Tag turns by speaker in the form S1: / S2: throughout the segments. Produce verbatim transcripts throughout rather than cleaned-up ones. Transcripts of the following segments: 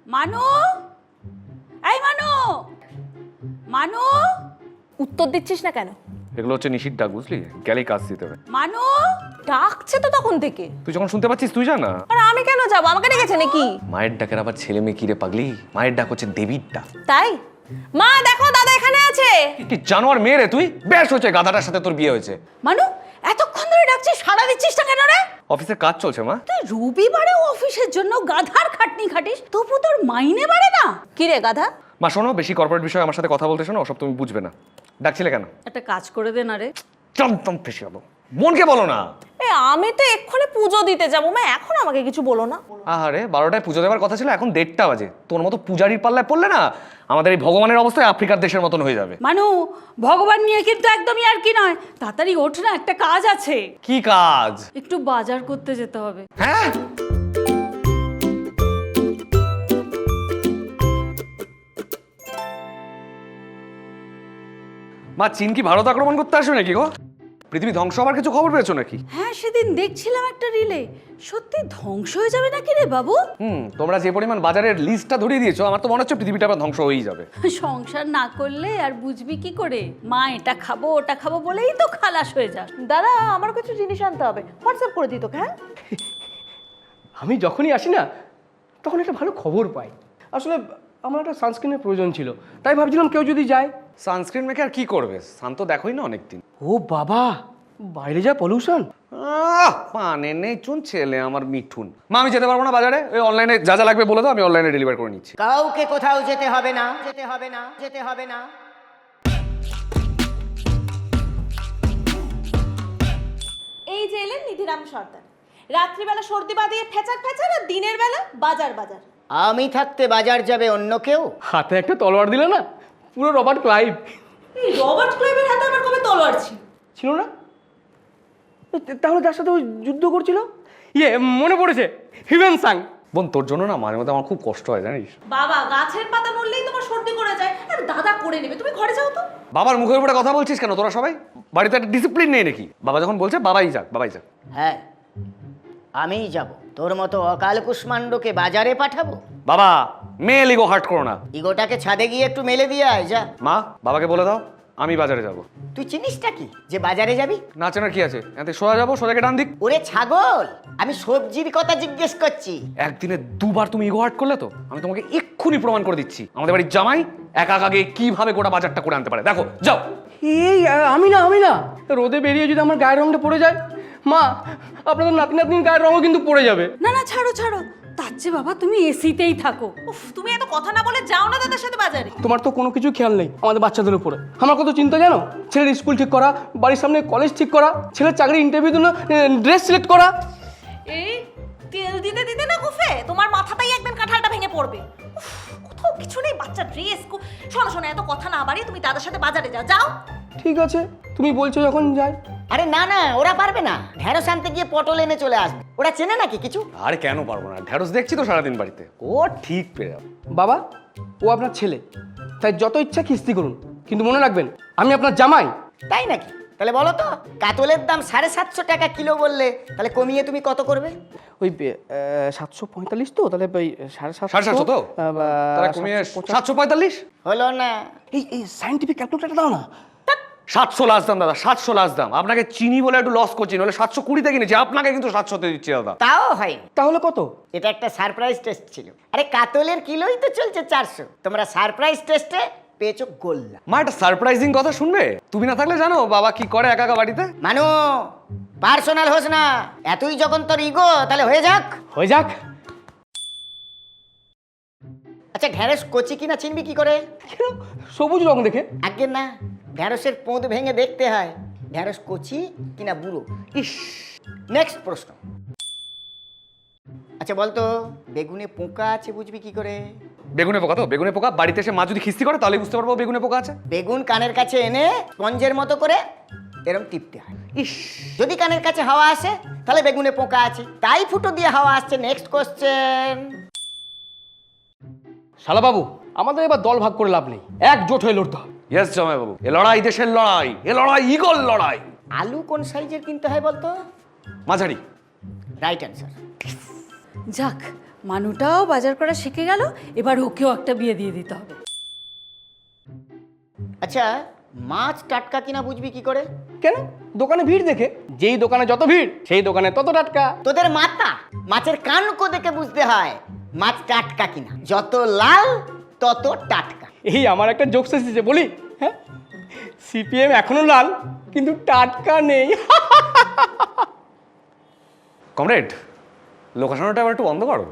S1: মানু, এই মানু, মানু,
S2: উত্তর দিচ্ছিস না কেন?
S3: এগুলো হচ্ছে নিশির ডাক, বুঝলি? গেলেই কাজ দিতে হবে।
S1: মানু,
S2: ডাকছে তো তখন থেকে।
S3: তুই যখন শুনতে পাচ্ছিস তুই জানা।
S2: আর আমি কেন যাবো? আমাকে ডেকেছে নাকি?
S3: মায়ের ডাকের আবার ছেলে মেয়ে কি রে পাগলি? মায়ের ডাক হচ্ছে দেবীর ডাক।
S2: তাই? মা দেখো, দাদা এখানে আছে।
S3: কি জানোয়ার মেয়ে রে তুই? বেশ হয়েছে গাধাটার সাথে তোর বিয়ে হয়েছে।
S1: মানু, এতক্ষণ ধরে ডাকছিস, সাড়া দিচ্ছিস না কেন রে?
S3: অফিসে কাজ চলছে মা।
S1: তুই রবিবারেও অফিসের জন্য গাধার খাটনি খাটিস, তবু তোর মাইনে বাড়ে না?
S2: কি রে গাধা?
S3: মা শোনো, বেশি কর্পোরেট বিষয়ে আমার সাথে কথা বলতে শোনো, ওসব তুমি বুঝবে না। ডাকছিলে কেন?
S1: একটা কাজ করে দে না রে।
S3: চমচম ফেসে যাবো। মনকে বলো না।
S2: এ আমি তো এক্ষুনি পুজো দিতে যাবো, মা এখন আমাকে কিছু বলো না।
S3: আহারে, বারোটায় পুজো দেওয়ার কথা ছিল, এখন দেড়টা বাজে। তোর মতো পূজারির পাল্লায় পড়লে না আমাদের এই ভগবানের অবস্থায় আফ্রিকার দেশের মতন হয়ে যাবে।
S1: মানু, ভগবান নিয়ে কিন্তু একদমই আর কি নয়। তাড়াতাড়ি ওঠ না, একটা কাজ আছে।
S3: কি কাজ?
S1: একটু বাজার করতে যেতে হবে।
S3: হ্যাঁ, মা চীন কি ভারত আক্রমণ করতে আসবে নাকি গো? পৃথিবী ধ্বংস হবার কিছু খবর পেয়েছো নাকি?
S1: হ্যাঁ, সেদিন দেখছিলাম একটা রিলে। সত্যি ধ্বংস হয়ে যাবে নাকি রে বাবু?
S3: হুম, তোমরা যে পরিমাণ বাজারের লিস্টটা ধরিয়ে দিয়েছো, আমার তো মনে হচ্ছে পৃথিবীটা আবার ধ্বংস হয়েই যাবে।
S1: সংসার না করলে আর বুঝবি কি করে? মা এটা খাবো ওটা খাবো বলেই তো খালাস হয়ে যাস।
S2: দাদা আমার কিছু জিনিস আনতে হবে, হোয়াটসঅ্যাপ করে দিই তোকে। হ্যাঁ
S4: আমি যখনই আসি না তখন একটা ভালো খবর পাই। আসলে আমার একটা সানস্ক্রিনের প্রয়োজন ছিল, তাই ভাবছিলাম কেউ যদি যায়।
S3: সানস্ক্রিন মেখে আর কি করবে? শান্ত দেখোই না অনেকদিন।
S4: ও বাবা, বাইরে যা পলিউশন।
S3: আহ, পানে নেই চুন ছেলে আমার মিঠুন। মা আমি যেতে পারবো না বাজারে, ওই অনলাইনে যা যা লাগবে বলে দাও, আমি অনলাইনে ডেলিভার করে নিচ্ছি।
S5: কাউকে কোথাও যেতে হবে না, যেতে হবে না, যেতে হবে না।
S2: এই যে এলেন নিধিরাম সর্দার, রাত্রিবেলা সর্দি বাঁধিয়ে ফেচার ফেচার, আর দিনের বেলা বাজার বাজার।
S5: আমি থাকতে বাজার যাবে অন্য কেউ?
S4: হাতে একটা তলোয়ার দিল না, পুরো রবার্ট ক্লাইভ।
S2: এই রবার্ট ক্লাইভের হাতে আবার কবে তলোয়ার ছিল?
S4: ছিল না? তাহলে যার সাথে ওই যুদ্ধ করছিল, ইয়ে মনে পড়েছে, হিউয়েন সাং।
S3: বোন তোর জন্য না মাঝে মধ্যে আমার খুব কষ্ট হয় জানিস।
S2: বাবা গাছের পাতা নড়লেই তোমার সর্দি করে যায়, আর দাদা করে নেবে। তুমি ঘরে যাও তো।
S3: বাবার মুখের উপরে কথা বলছিস কেন তোরা সবাই? বাড়িতে একটা ডিসিপ্লিন নেই নাকি? বাবা যখন বলছে বাবাই যাক, বাবাই যাক।
S5: হ্যাঁ, আমিই যাব। তোর মতো অকাল কুষ্মাণ্ডকে বাজারে পাঠাবো?
S3: বাবা মেয়ে লিগো হার্ট করো না।
S5: ইগোটাকে ছাদে গিয়ে একটু মেলে দিয়ে আয় যা।
S3: মা বাবাকে বলে দাও আমি বাজারে যাব।
S5: তুই চিনিসটা কি যে বাজারে যাবি?
S3: না চেনার কি আছে? এতে সোজা যাবো, সোজাকে ডান দিক।
S5: ওরে ছাগল, আমি সবজির কথা জিজ্ঞেস করছি।
S3: একদিনে দুবার তুমি ইগো হার্ট করলে তো আমি তোমাকে এক্ষুনি প্রমাণ করে দিচ্ছি আমাদের বাড়ির জামাই একা আগে কিভাবে গোটা বাজারটা করে আনতে পারে। দেখো যাও।
S4: এই আমি না আমি না রোদে বেরিয়ে যদি আমার গায়ের রংটা পড়ে যায়, মা আপনাদের নাতি নাতনির গায়ের রঙও কিন্তু পড়ে যাবে।
S1: না না, ছাড়ো ছাড়ো, তার চেয়ে বাবা তুমি এসিতেই থাকো।
S2: উফ, তুমি এত কথা না বলে যাও না দাদার সাথে বাজারে।
S4: তোমার তো কোনো কিছু খেয়াল নেই আমাদের বাচ্চাদের উপরে। আমার কত চিন্তা জানো? ছেলের স্কুল ঠিক করা, বাড়ির সামনে কলেজ ঠিক করা, ছেলের চাকরি ইন্টারভিউ জন্য ড্রেস সিলেক্ট করা।
S2: এই তেল দিতে দিতে না গুফে তোমার মাথাটাই একদিন কাঁঠালটা ভেঙে পড়বে। উফ, কোথাও কিছু নেই, বাচ্চা ড্রেস। শোনো শোনো, এত কথা না বাড়িয়ে তুমি দাদার সাথে বাজারে যাও। যাও।
S4: ঠিক আছে, তুমি বলছো যখন যাই।
S5: আরে না না, ওরা পারবে না। ঢেঁড়স আনতে গিয়ে পটল এনে চলে আসবে। ওরা চেনে নাকি কিছু?
S3: আরে কেন পারবো না? ঢেঁড়স দেখছি তো সারাদিন বাড়িতে, ও ঠিক পেয়ে যাবে।
S4: বাবা, ও আপনার ছেলে, তাই যত ইচ্ছা খিস্তি করুন, কিন্তু মনে রাখবেন আমি আপনার জামাই।
S5: তাই নাকি? তাহলে বলো তো, কাতলের দাম সাড়ে সাতশো টাকা কিলো বললে, তাহলে কমিয়ে তুমি কত করবে?
S4: ওই সাতশো পঁয়তাল্লিশ তো, তাহলে ওই সাড়ে সাতশো
S3: সাড়ে সাতশো তো? তাহলে কমিয়ে সাতশো পঁয়তাল্লিশ।
S5: হলো না?
S4: এই এই সাইন্টিফিক ক্যালকুলেটরটা দাও না।
S3: সাতশো লাস্ট দাম দাদা, সাতশো লাস্ট দাম। আপনাকে চিনি বলে একটু লস করছি, নাহলে সাতশো কুড়িতে কিনেছি, আপনাকে কিন্তু সাতশোতে দিচ্ছি দাদা।
S5: তাও হয়নি।
S4: তাহলে কত?
S5: এটা একটা সারপ্রাইজ টেস্ট ছিল। আরে কাতলের কিলোই তো চলছে চারশো, তোমরা সারপ্রাইজ টেস্টে পেয়েছো গোল্লা।
S3: মা একটা সারপ্রাইজিং কথা শুনবে? তুমি না থাকলে জানো বাবা কি করে একা একা বাড়িতে?
S5: মানু, পার্সোনাল হোস না। এতই যখন তোর ইগো, তাহলে হয়ে যাক।
S4: হয়ে যাক।
S5: আচ্ছা, ঢেঁড়স কচি কিনা চিনবি কি করে?
S4: কেন? সবুজ রং দেখে।
S5: আগে না, ঢেঁড়সের পোঁদ ভেঙে দেখতে হয় ঢেঁড়স কচি কিনা বুড়ো। ইস, নেক্সট প্রশ্ন। আচ্ছা বলতো, বেগুনে পোকা আছে বুঝবি কি করে?
S3: বেগুনে পোকা তো? বেগুনে পোকা বাড়িতে এসে মা যদি খিস্তি করে তাহলে বুঝতে পারবো বেগুনে পোকা আছে।
S5: বেগুন কানের কাছে এনে স্পঞ্জের মতো করে এরম টিপতে হয়। ইস, যদি কানের কাছে হাওয়া আসে তাহলে বেগুনে পোকা আছে, তাই ফুটো দিয়ে হাওয়া আসছে। Next question.
S4: শালা বাবু, আমাদের এবার দল ভাগ করে লাভ নেই, একজোট হয়ে লড়তে হবে।
S3: ইয়েস জামাই বাবু, এ লড়াই দেশের লড়াই, এ লড়াই ইগল লড়াই।
S5: আলু কোন সাইজের কিনতে হয় বলতো?
S3: মাঝারি।
S5: Right answer.
S1: যাক, মানুটাও বাজার করা শিখে গেল, এবার ওকেও একটা বিয়ে দিয়ে দিতে হবে।
S5: আচ্ছা, মাছ টাটকা কিনা বুঝবি কি করে?
S4: কেন? দোকানে ভিড় দেখে। যেই দোকানে যত ভিড় সেই দোকানে তত টাটকা।
S5: তোদের মাথা, মাছের কানকো দেখে বুঝতে হয় মাছ টাটকা কিনা। যত লাল তত টাটকা।
S4: এই আমার একটা জোকস এসেছে বলি, হ্যাঁ? সিপিএম এখনো লাল কিন্তু টাটকা নেই।
S3: কমরেড, লোকাশনটা আবার একটু বন্ধ করো।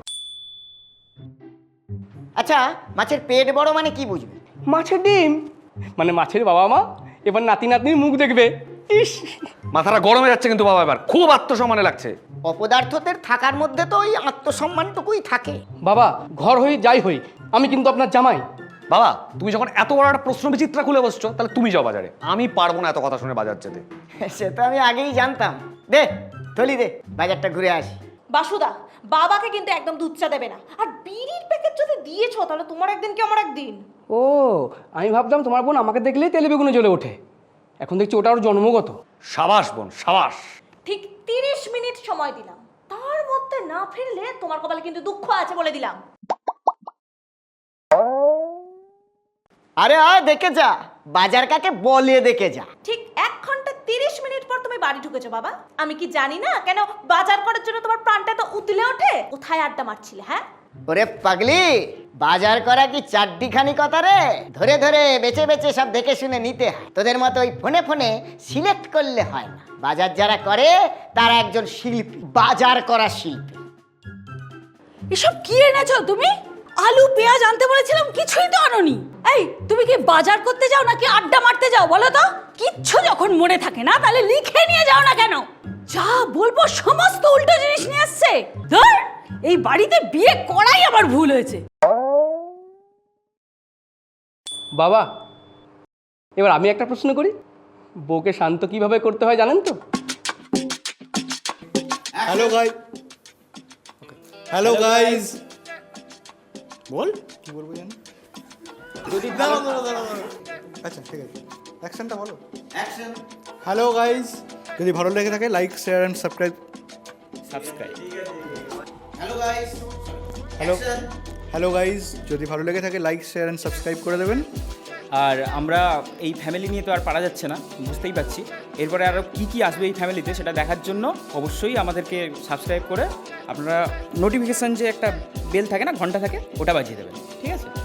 S5: আচ্ছা, মাছের পেট বড় মানে কি বুঝবি?
S4: মাছের ডিম মানে মাছের বাবা মা এবার নাতি নাতনির মুখ দেখবে। ইস,
S3: মাথাটা গরমে যাচ্ছে কিন্তু বাবা, এবার খুব আত্মসম্মানে লাগছে।
S5: অপদার্থদের থাকার মধ্যে তো ওই আত্মসম্মানটুকুই থাকে।
S4: বাবা ঘর হই যাই হই আমি কিন্তু আপনার জামাই।
S3: বাবা, তুমি যখন এত বড় একটা প্রশ্ন বিচিত্রা খুলে বসছো, তাহলে তুমি যাও বাজারে। আমি পারবো না এত কথা শুনে বাজার যেতে।
S5: সে তো আমি আগেই জানতাম। দে থলি দে, বাজারটা ঘুরে আসি।
S2: বাসুদা, বাবাকে কিন্তু একদম দুধ চা দেবে না। আর বিড়ির প্যাকেট যদি দিয়েছো তাহলে তোমার একদিন কি আমার একদিন।
S4: ও, আমি ভাবতাম তোমার বোন আমাকে দেখলেই তেলে বেগুনে জ্বলে ওঠে। এখন দেখছি ওটা ওর জন্মগত।
S3: সাবাস বোন, সাবাস।
S2: ঠিক তিরিশ মিনিট সময় দিলাম, তার মধ্যে না ফিরলে তোমার কপালে কিন্তু দুঃখ আছে বলে দিলাম।
S5: আরে আয় দেখে যা, বাজার কাকে বলে দেখে যা।
S2: ঠিক এক ঘন্টা তিরিশ মিনিট পর তুমি বাড়ি ঢুকেছো বাবা। আমি কি জানি না কেন বাজার করার জন্য তোমার প্রাণটা তো উতলে ওঠে? কোথায় আড্ডা মারছিলে? হ্যাঁ,
S5: ওরে পাগলি, বাজার করা কি চারটিখানি কথা রে? ধরে ধরে বেছে বেছে সব দেখে শুনে নিতে হয়। তোদের মতো ওই ফোনে ফোনে সিলেক্ট করলে হয় না। বাজার যারা করে তারা একজন শিল্পী, বাজার করা শিল্পী।
S1: এসব কি এনেছো তুমি? আলু পেঁয়াজ আনতে বলেছিলাম, কিছুই তো আনোনি। এই, তুমি কি বাজার করতে যাও নাকি আড্ডা মারতে যাও বলো তো? কিচ্ছু যখন মনে থাকে না তাহলে লিখে নিয়ে যাও না কেন? যা বলবো সমস্ত উল্টো জিনিস নিয়ে আসছে। ধর, এই বাড়িতে বিয়ে করাই আমার ভুল হয়েছে।
S4: বাবা, এবার আমি একটা প্রশ্ন করি। বউকে শান্ত কিভাবে করতে হয় জানেন তো?
S6: হ্যালো গাই হ্যালো গাইজ বল কি বলবো জানি দাঁড়াও, দাঁড়াও, দাঁড়াও, দাঁড়াও। আচ্ছা ঠিক আছে, অ্যাকশনটা বলো। অ্যাকশন। হ্যালো গাইজ, যদি ভালো লেগে থাকে like share and subscribe. Subscribe. Hello guys hello hello guys যদি ভালো লেগে থাকে লাইক শেয়ার অ্যান্ড সাবস্ক্রাইব করে দেবেন।
S7: আর আমরা এই ফ্যামিলি নিয়ে তো আর পারা যাচ্ছে না, বুঝতেই পারছি। এরপরে আরও কী কী আসবে এই ফ্যামিলিতে সেটা দেখার জন্য অবশ্যই আমাদেরকে সাবস্ক্রাইব করে আপনারা নোটিফিকেশান যে একটা বেল থাকে না, ঘন্টা থাকে, ওটা বাজিয়ে দেবেন। ঠিক আছে?